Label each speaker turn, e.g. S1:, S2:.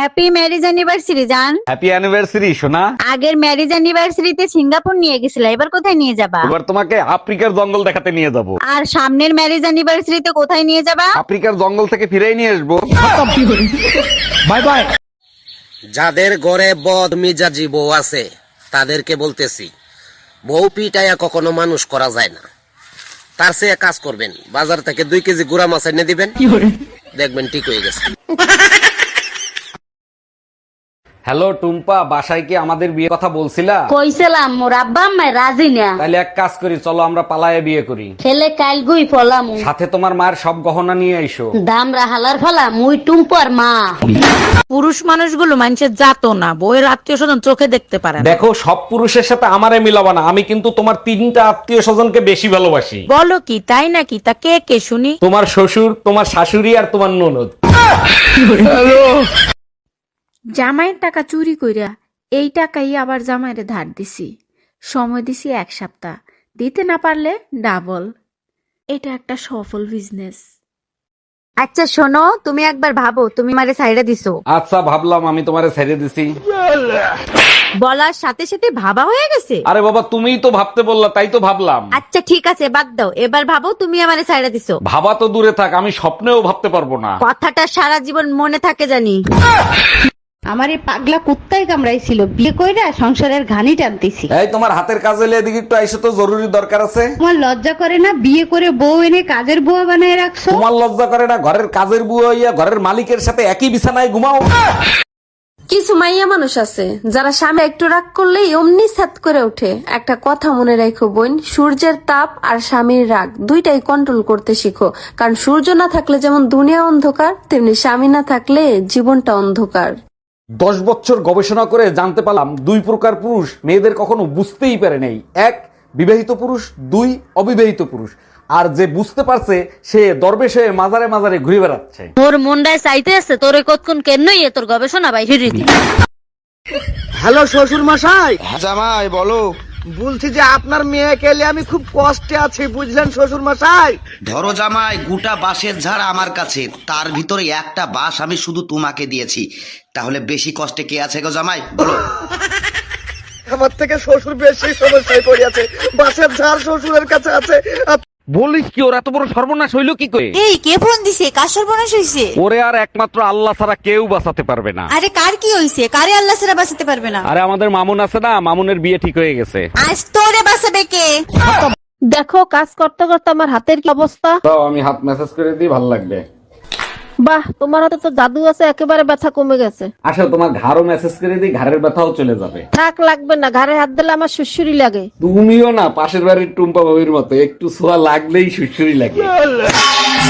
S1: Happy marriage anniversary জান।
S2: Happy anniversary সোনা।
S1: আগের ম্যারেজ অ্যানিভার্সারিতে সিঙ্গাপুর নিয়ে গেছিলা, এবার কোথায় নিয়ে যাবা?
S2: এবার তোমাকে আফ্রিকার জঙ্গল দেখাতে নিয়ে যাব।
S1: আর সামনের ম্যারেজ অ্যানিভার্সারিতে কোথায় নিয়ে যাবা?
S2: আফ্রিকার জঙ্গল থেকে ফিরেই নিয়ে আসবো।
S3: Bye bye.
S4: যাদের ঘরে বদ মিজাজি বউ আছে তাদেরকে বলতেছি, বউ পিটাইয়া কখনো মানুষ করা যায় না। তার চেয়ে কাজ করবেন, বাজার থেকে 2 কেজি গুড়া মাছ এনে দিবেন, দেখবেন ঠিক হয়ে গেছে।
S2: হ্যালো টুম্পা, বাসায় কি আমাদের বিয়ে কথা বলছিলা?
S5: কইছিলাম মোর আব্বা আম্মা রাজি না।
S2: তাহলে এক কাজ করি, চলো আমরা পালায়ে বিয়ে করি।
S5: ছেলে কাল গুই ফলাম
S2: সাথে তোমার মায়ের সব গহনা নিয়ে আইসো।
S5: দাম রাহালার ফলা মুই টুম্পর মা।
S6: পুরুষ মানুষগুলো মানুষের জাতো না, বউয়ের আত্মীয় স্বজন চোখে দেখতে পারে না।
S2: দেখো, সব পুরুষের সাথে আমারে মিলাবা না। আমি কিন্তু তোমার 3টা আত্মীয় স্বজনকে বেশি ভালোবাসি।
S6: বলো কি, তাই নাকি? তা কে কে শুনি?
S2: তোমার শ্বশুর, তোমার শাশুড়ি আর তোমার ননদ।
S7: জামাইয়ের টাকা চুরি কইরা এই টাকাই আবার জামাইরে ধার দিছি, সময় দিছি 1 সপ্তাহ, দিতে না পারলে ডাবল। এটা একটা সফল বিজনেস।
S1: আচ্ছা শোনো, তুমি একবার ভাবো তুমি মারে সাইডে দিছো।
S2: আচ্ছা ভাবলাম, আমি তোমারে ছেড়ে দিছি।
S1: বলার সাথে সাথে ভাবা হয়ে গেছে।
S2: আরে বাবা, তুমিই তো ভাবতে বললা, তাই তো ভাবলাম।
S1: আচ্ছা ঠিক আছে, বাদ দাও, এবার ভাবো তুমি আমারে সাইডে দিছো।
S2: ভাবা তো দূরে থাক, আমি স্বপ্নেও ভাবতে পারবো না।
S1: কথাটা সারা জীবন মনে থাকে জানি।
S5: আমার এই পাগলা কুত্তাই কামড়াইছিল, বিয়ে কইরা সংসারের ঘানি টানতেছি।
S2: এই তোমার হাতের কাজ হলে এদিকে একটু আইসো তো, জরুরি দরকার আছে।
S5: তোমার লজ্জা করে না বিয়ে করে বউ এনে কাজের বুয়া বানায় রাখছো?
S2: তোমার লজ্জা করে না ঘরের কাজের বুয়া হইয়া ঘরের মালিকের সাথে একই বিছানায় ঘুমাও?
S8: কিছু মাইয়া মানুষ আছে যারা স্বামী একটু রাগ করলেই অমনি ছাত করে ওঠে। একটা কথা মনে রাখো বোন, সূর্যের তাপ আর স্বামীর রাগ দুইটাই কন্ট্রোল করতে শিখো। কারণ সূর্য না থাকলে যেমন দুনিয়া অন্ধকার, তেমনি স্বামী না থাকলে জীবনটা অন্ধকার।
S2: 10 বছর গবেষণা করে জানতে পারলাম 2 প্রকার পুরুষ মেয়েদের কখনো বুঝতেই পারে নাই। 1 বিবাহিত পুরুষ, 2 অবিবাহিত পুরুষ। আর যে বুঝতে পারছে সে দরবেশ হয়ে মাজারে মাজারে ঘুরে বেড়াচ্ছে।
S5: তোর মনটায় চাইতে আছে তোরে কতক্ষণ কেনই তোর গবেষণা বাইরে দি।
S3: হ্যালো শ্বশুর মশাই।
S4: জামাই বলো।
S3: বলছি যে আপনার মেয়েকে নিয়ে আমি খুব কষ্টে আছি, বুঝলেন শ্বশুর মশাই।
S4: ধরো জামাই, গোটা বাঁশের ঝাড় আমার কাছে, তার ভিতরে একটা বাঁশ আমি শুধু তোমাকে দিয়েছি, তাহলে বেশি কষ্টে কে আছে গো জামাই বলো?
S3: আমার থেকে শ্বশুর বেশি সমস্যায় পড়িয়াছে, বাসের ঝাড় শ্বশুরের কাছে আছে।
S2: বলিস কি, ওর এত বড় সর্বনাশ হইলো কি করে?
S9: এই কে ফোন দিছে? কার সর্বনাশ হইছে?
S2: ওরে আর একমাত্র আল্লাহ ছাড়া কেউ বাঁচাতে পারবে না।
S9: আরে কার কি হইছে? কারে আল্লাহ ছাড়া বাঁচাতে পারবে না?
S2: আরে আমাদের মামুন আছে না, মামুনের বিয়ে ঠিক হয়ে গেছে।
S9: আজ তোরে বাঁচাবে কে?
S6: দেখো, কাজ করতে করতে আমার হাতের কি অবস্থা।
S2: দাও আমি হাত মেসেজ করে দিই, ভালো লাগবে।
S6: বাহ, তোমার হাতে তো জাদু আছে, একেবারে ব্যথা কমে গেছে।
S2: আসলে তোমার ঘাড়ও মেসেজ করে দিই, ঘাড়ের ব্যথাও চলে যাবে।
S6: থাক, লাগবে না, ঘাড়ে হাত দিলে আমার সুসুরি লাগে।
S2: তুমিও না পাশের বাড়ির টুম্পা ভাবির মতো, একটু ছোঁয়া লাগলেই সুসুরি লাগে।